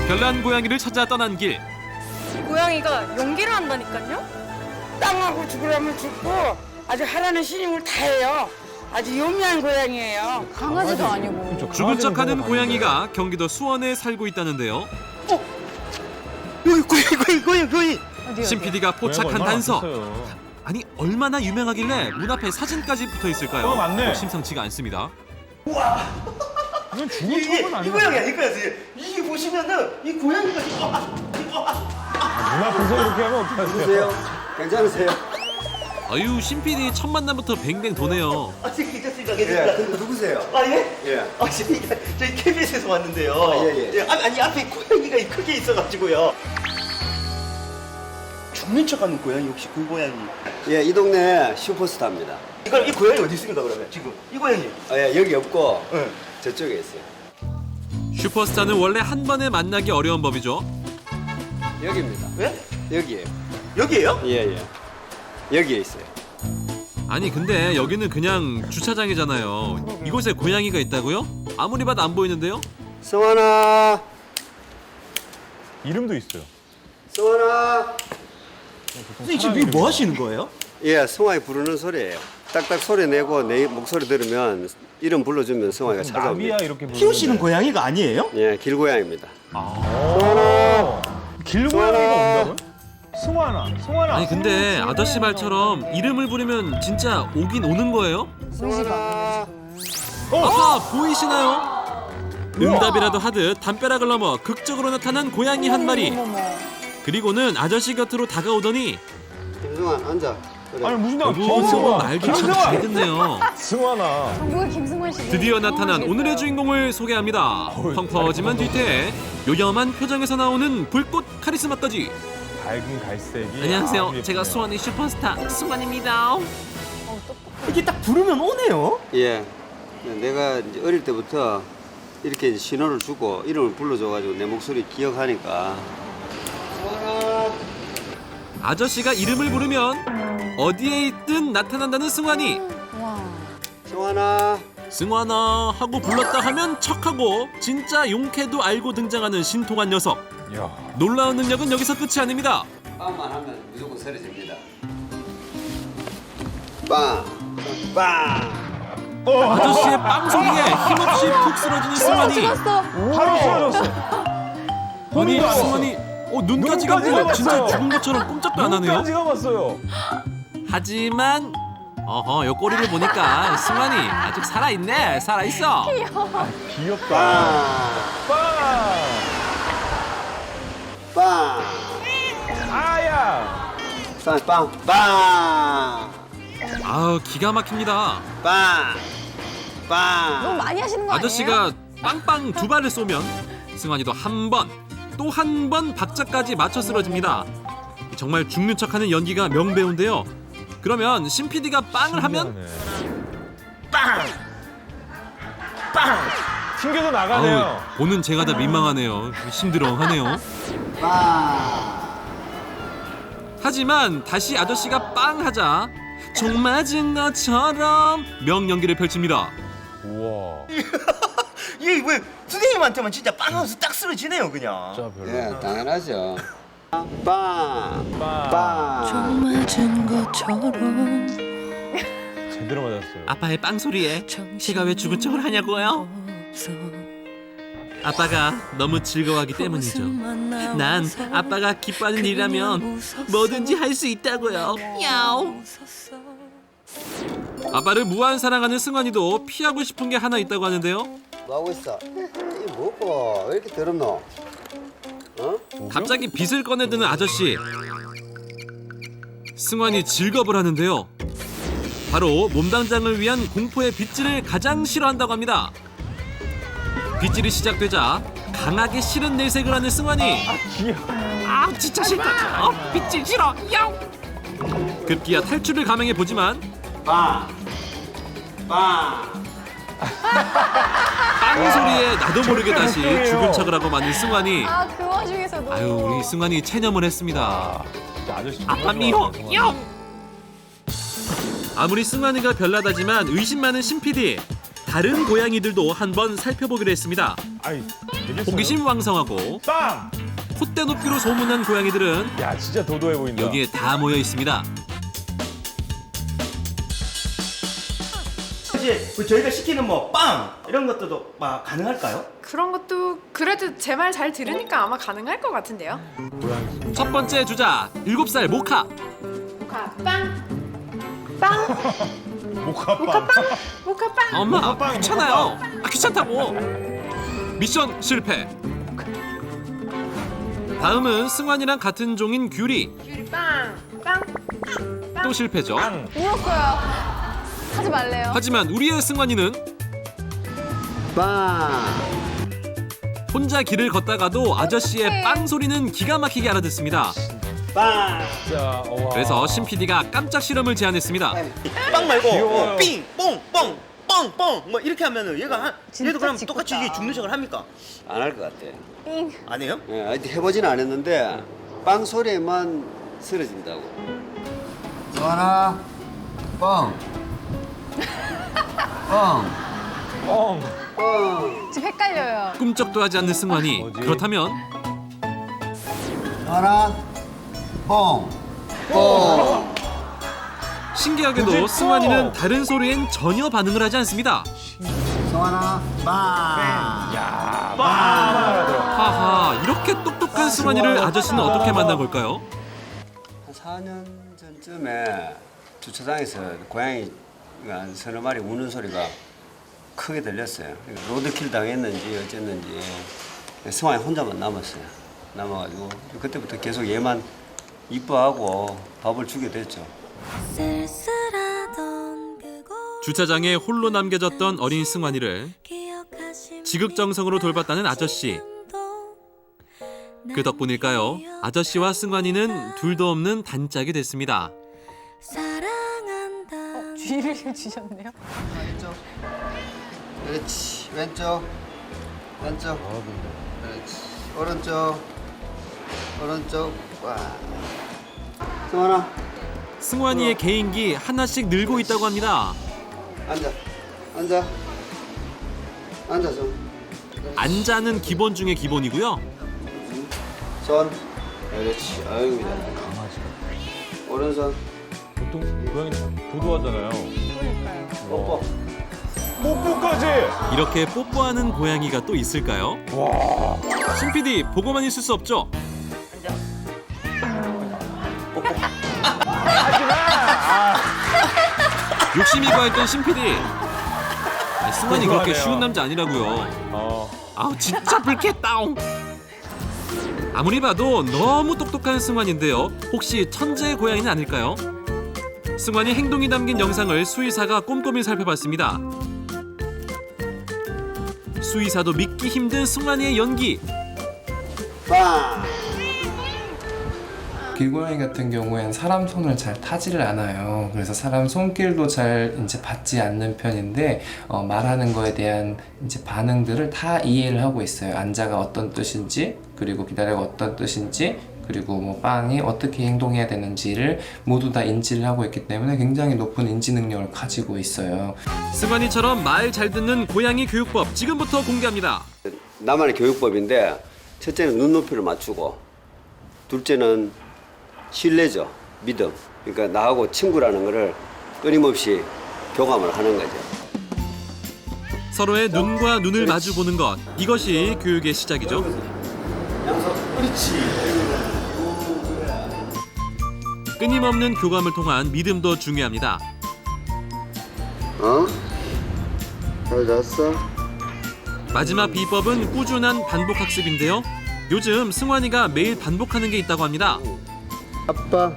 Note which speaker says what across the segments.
Speaker 1: 별난 고양이를 찾아 떠난 길.
Speaker 2: 고양이가 연기를 한다니까요?
Speaker 3: 땅하고 죽으려면 죽고 아주 하라는 신임을 다 해요. 아주 요미한 고양이에요.
Speaker 4: 강아지도 아니고.
Speaker 5: 그렇죠.
Speaker 1: 죽은 척하는
Speaker 5: 강아지는
Speaker 1: 고양이가 경기도 수원에 살고 있다는데요.
Speaker 6: 여기 고양이.
Speaker 1: 신 PD가 포착한
Speaker 5: 얼마나
Speaker 1: 단서.
Speaker 5: 많겠어요.
Speaker 1: 아니 얼마나 유명하길래 문 앞에 사진까지 붙어 있을까요?
Speaker 5: 맞네.
Speaker 1: 심상치가 않습니다.
Speaker 5: 이건 죽은 척은
Speaker 6: 이
Speaker 5: 아니고.
Speaker 6: 고양이야 이거였어요. 이게 보시면은 이 고양이가
Speaker 5: 문 앞에서 이렇게 하면 어떡하세요?
Speaker 7: 누구세요? 괜찮으세요?
Speaker 1: 아유 신 PD 첫 만남부터 뱅뱅 도네요.
Speaker 6: 괜찮습니다.
Speaker 7: 예,
Speaker 6: 괜찮습니다.
Speaker 7: 근데 누구세요?
Speaker 6: 아 예?
Speaker 7: 예.
Speaker 6: 아 저희 KBS에서 왔는데요.
Speaker 7: 예.
Speaker 6: 아니 앞에 고양이가 크게 있어가지고요. 죽는 척하는 고양이 혹시 그 고양이?
Speaker 7: 예, 이 동네 슈퍼스타입니다.
Speaker 6: 이 고양이 어디 있습니까 그러면 지금 이 고양이?
Speaker 7: 예, 여기 없고
Speaker 6: 예.
Speaker 7: 저쪽에 있어요.
Speaker 1: 슈퍼스타는 원래 한 번에 만나기 어려운 법이죠.
Speaker 7: 여기입니다.
Speaker 6: 예?
Speaker 7: 여기에요.
Speaker 6: 여기에요?
Speaker 7: 예. 여기에 있어요.
Speaker 1: 아니 근데 여기는 그냥 주차장이잖아요. 이곳에 고양이가 있다고요? 아무리 봐도 안 보이는데요?
Speaker 7: 성환아,
Speaker 5: 이름도 있어요.
Speaker 7: 성환아.
Speaker 6: 선생님 지금 이거 뭐 하시는 거예요?
Speaker 7: 예, 성환이 부르는 소리예요. 딱딱 소리 내고 내 목소리 들으면 이름 불러주면 성환이가
Speaker 5: 나비야
Speaker 7: 찾아옵니다.
Speaker 5: 이렇게
Speaker 6: 키우시는 고양이가 아니에요?
Speaker 7: 예, 길고양입니다.
Speaker 5: 길고양이가 온다고요? 승환아.
Speaker 1: 아니 근데 아저씨 말처럼 이름을 부르면 진짜 오긴 오는 거예요?
Speaker 7: 성환아.
Speaker 1: 아하 보이시나요? 응답이라도 하듯 담벼락을 넘어 극적으로 나타난 고양이 한 마리. 그리고는 아저씨 곁으로 다가오더니
Speaker 7: 김승환 앉아. 그래.
Speaker 5: 아니 무슨
Speaker 1: 어이구 말도 참 잘 듣네요.
Speaker 5: 승환아.
Speaker 4: 누가 김승환 씨?
Speaker 1: 드디어 나타난 오늘의 주인공을 소개합니다. 펑퍼짐한 뒤태에 요염한 표정에서 나오는 불꽃 카리스마까지.
Speaker 5: 밝은 갈색이.
Speaker 1: 안녕하세요.
Speaker 5: 아주
Speaker 1: 제가
Speaker 5: 예쁘네요.
Speaker 1: 수원의 슈퍼스타 승환입니다.
Speaker 6: 이게 딱 부르면 오네요.
Speaker 7: 예. 내가 이제 어릴 때부터 이렇게 이제 신호를 주고 이름을 불러줘가지고 내 목소리 기억하니까.
Speaker 1: 아저씨가 이름을 부르면 어디에 있든 나타난다는 승환이.
Speaker 4: 와.
Speaker 7: 성환아.
Speaker 1: 승환아 하고 불렀다 하면 척하고 진짜 용케도 알고 등장하는 신통한 녀석.
Speaker 5: 야.
Speaker 1: 놀라운 능력은 여기서 끝이 아닙니다.
Speaker 7: 빵만 하면 무조건 쓰러집니다. 빵. 빵.
Speaker 1: 아저씨의 빵 소리에 힘없이 푹 쓰러지는 승환이.
Speaker 4: 찍었어.
Speaker 5: 바로 쓰러졌어.
Speaker 1: 아니 승환이 눈까지 감고
Speaker 5: 눈까지
Speaker 1: 진짜
Speaker 5: 감았어요.
Speaker 1: 죽은 것처럼 꼼짝도 안 하네요.
Speaker 5: 눈까지 감았어요.
Speaker 1: 하지만 요 꼬리를 보니까 승환이 아직 살아있네. 살아있어.
Speaker 5: 귀엽다. 빵.
Speaker 7: 빵.
Speaker 5: 아야.
Speaker 7: 빵. 빵.
Speaker 1: 아우 기가 막힙니다.
Speaker 7: 빵.
Speaker 4: 너무
Speaker 7: 빵.
Speaker 4: 많이 하시는 거 아니에요?
Speaker 1: 아저씨가 빵빵 두 발을 쏘면 승환이도 한 번, 또 한 번 박자까지 맞춰 쓰러집니다. 정말 죽는 척하는 연기가 명배우인데요. 그러면 신 PD가 빵을 하면
Speaker 5: 튕겨서 나가네요.
Speaker 1: 아우, 보는 제가 다 민망하네요. 힘들어하네요.
Speaker 7: 빵.
Speaker 1: 하지만 다시 아저씨가 빵 하자 총 맞은 것처럼 명연기를 펼칩니다.
Speaker 5: 우와.
Speaker 6: 이게 왜 선생님한테만 진짜 빵하면서 딱 쓰러지네요 그냥.
Speaker 5: 진짜 별로.
Speaker 7: 예, 당연하죠. 빵.
Speaker 5: 빵.
Speaker 7: 빵.
Speaker 2: 맞은 것처럼
Speaker 5: 제대로 맞았어요.
Speaker 1: 아빠의 빵 소리에 제가 왜 죽은 척을 하냐고요? 아빠가 너무 즐거워하기 때문이죠. 난 아빠가 기뻐하는 일이라면 뭐든지 할 수 있다고요. 야옹. 아빠를 무한 사랑하는 승환이도 피하고 싶은 게 하나 있다고 하는데요.
Speaker 7: 뭐 하고 있어? 이 뭐고? 왜 이렇게 더럽노? 어?
Speaker 1: 갑자기 빗을 꺼내드는 아저씨. 승환이 즐겁을 하는데요. 바로 몸당장을 위한 공포의 빗질을 가장 싫어한다고 합니다. 빗질이 시작되자 강하게 싫은 내색을 하는 승환이. 아 진짜 싫다. 빗질 싫어. 야옹. 급기야 탈출을 감행해 보지만
Speaker 7: 빵. 빵.
Speaker 1: 빵 소리에 나도 모르게 다시 죽은 척을 하고 마는 승환이.
Speaker 4: 그 와중에서도.
Speaker 1: 아유 우리 승환이 체념을 했습니다.
Speaker 5: 진짜 아저씨
Speaker 1: 아빠 미워. 야옹. 아무리 승환이가 별나다지만 의심 많은 신 PD. 다른 고양이들도 한번 살펴보기로 했습니다.
Speaker 5: 아이, 되겠어요?
Speaker 1: 호기심 왕성하고
Speaker 5: 빵!
Speaker 1: 콧대 높이로 소문난 고양이들은
Speaker 5: 야, 진짜 도도해 보인다.
Speaker 1: 여기에 다 모여 있습니다.
Speaker 6: 이제 그 저희가 시키는 뭐 빵 이런 것들도 막 가능할까요?
Speaker 8: 그런 것도 그래도 제 말 잘 들으니까 아마 가능할 것 같은데요.
Speaker 1: 첫 번째 주자 7살 모카.
Speaker 5: 모카빵.
Speaker 1: 엄마
Speaker 5: 모카빵,
Speaker 1: 귀찮아요. 귀찮다고. 미션 실패. 다음은 승환이랑 같은 종인 귤이. 또 실패죠.
Speaker 4: 울었어요. 하지 말래요.
Speaker 1: 하지만 우리의 승환이는
Speaker 7: 빵!
Speaker 1: 혼자 길을 걷다가도 아저씨의 빵 소리는 기가 막히게 알아듣습니다.
Speaker 7: 빵!
Speaker 5: 진짜, 와.
Speaker 1: 그래서 신 PD가 깜짝 실험을 제안했습니다.
Speaker 6: 빵 말고
Speaker 5: 귀여워요.
Speaker 6: 삥, 뽕, 뻥, 뻥, 뻥 뭐 이렇게 하면은 얘가
Speaker 4: 진짜
Speaker 6: 얘도 그럼
Speaker 4: 짓궂다.
Speaker 6: 똑같이 이게 죽는 척을 합니까?
Speaker 7: 안 할 것 같아.
Speaker 6: 안 해요?
Speaker 7: 예, 하여튼 해보지는 않았는데 빵 소리에만 쓰러진다고. 하나, 빵! 빵!
Speaker 5: 뻥.
Speaker 7: 빵!
Speaker 4: 지금 헷갈려요.
Speaker 1: 꿈쩍도 하지 않는 승환이.
Speaker 5: 뭐지?
Speaker 1: 그렇다면
Speaker 7: 하나, 뻥! 뻥!
Speaker 1: 신기하게도
Speaker 5: 그치?
Speaker 1: 승환이는 다른 소리엔 전혀 반응을 하지 않습니다.
Speaker 7: 성환아, 빵!
Speaker 5: 야, 빵! 들어.
Speaker 1: 하하, 이렇게 똑똑한 승환이를 아저씨는 어떻게 만난 걸까요?
Speaker 7: 한 4년 전쯤에 주차장에서 고양이가 한 서너 마리 우는 소리가 크게 들렸어요. 로드킬 당했는지 어쨌는지 승환이 혼자만 남았어요. 남아가지고 그때부터 계속 얘만 이뻐하고 밥을 주게 됐죠.
Speaker 1: 주차장에 홀로 남겨졌던 어린 승환이를 지극정성으로 돌봤다는 아저씨. 그 덕분일까요? 아저씨와 승환이는 둘도 없는 단짝이 됐습니다.
Speaker 4: 쥐를 주셨네요.
Speaker 7: 왼쪽. 그렇지. 왼쪽. 왼쪽. 그렇지. 오른쪽. 오른쪽. 와. 승환아,
Speaker 1: 승환이의 개인기 하나씩 늘고 있다고 합니다.
Speaker 7: 앉아. 앉아. 앉아 좀.
Speaker 1: 앉아는 기본 중에 기본이고요.
Speaker 7: 손. 그렇지. 아이고 잘한다. 오른손.
Speaker 5: 보통 고양이 도도하잖아요.
Speaker 7: 뽀뽀.
Speaker 5: 뽀뽀까지!
Speaker 1: 이렇게 뽀뽀하는 고양이가 또 있을까요?
Speaker 5: 와.
Speaker 1: 신 PD 보고만 있을 수 없죠. 욕심이 과했던 신 PD. 승환이 그렇게
Speaker 5: 궁금하네요.
Speaker 1: 쉬운 남자 아니라고요. 아우 진짜 불쾌다옹. 아무리 봐도 너무 똑똑한 승환인데요. 혹시 천재 고양이는 아닐까요? 승환이 행동이 담긴 영상을 수의사가 꼼꼼히 살펴봤습니다. 수의사도 믿기 힘든 승환이의 연기.
Speaker 7: 빵!
Speaker 9: 길고양이 같은 경우엔 사람 손을 잘 타지를 않아요. 그래서 사람 손길도 잘 이제 받지 않는 편인데 말하는 거에 대한 이제 반응들을 다 이해를 하고 있어요. 앉아가 어떤 뜻인지, 그리고 기다려가 어떤 뜻인지, 그리고 뭐 빵이 어떻게 행동해야 되는지를 모두 다 인지를 하고 있기 때문에 굉장히 높은 인지 능력을 가지고 있어요.
Speaker 1: 승환이처럼 말 잘 듣는 고양이 교육법 지금부터 공개합니다.
Speaker 7: 나만의 교육법인데 첫째는 눈높이를 맞추고 둘째는 신뢰죠. 믿음. 그러니까 나하고 친구라는 거를 끊임없이 교감을 하는 거죠.
Speaker 1: 서로의 눈과 눈을 마주보는 것, 이것이 교육의 시작이죠. 끊임없는 교감을 통한 믿음도 중요합니다.
Speaker 7: 어? 잘 잤어?
Speaker 1: 마지막 비법은 꾸준한 반복 학습인데요. 요즘 승환이가 매일 반복하는 게 있다고 합니다.
Speaker 7: 아빠.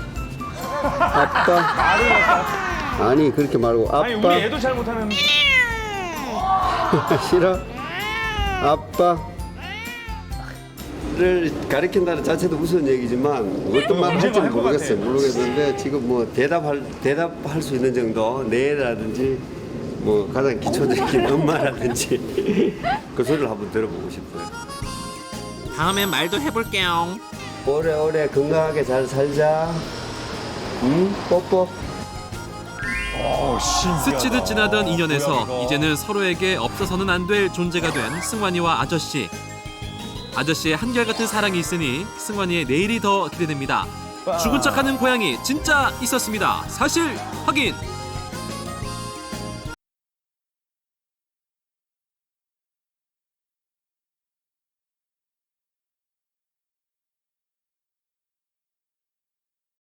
Speaker 7: 아빠. 아니 그렇게 말고 아빠.
Speaker 5: 아니, 우리 애도 잘 못하는.
Speaker 7: 싫어? 아빠를 가르친다는 자체도 무서운 얘기지만 어떤 말을 할지
Speaker 5: 할것
Speaker 7: 모르겠어요.
Speaker 5: 같아.
Speaker 7: 모르겠는데 지금 뭐 대답할 수 있는 정도 네라든지 뭐 가장 기초적인 엄마라든지 그 소리를 한번 들어보고 싶어요.
Speaker 1: 다음엔 말도 해볼게요.
Speaker 7: 오래오래 건강하게 잘 살자. 응? 뽀뽀.
Speaker 1: 스치듯 지나던 인연에서
Speaker 5: 뭐야, 이거.
Speaker 1: 이제는 서로에게 없어서는 안 될 존재가 된 승환이와 아저씨. 아저씨의 한결같은 사랑이 있으니 승환이의 내일이 더 기대됩니다. 죽은 척하는 고양이 진짜 있었습니다. 사실 확인.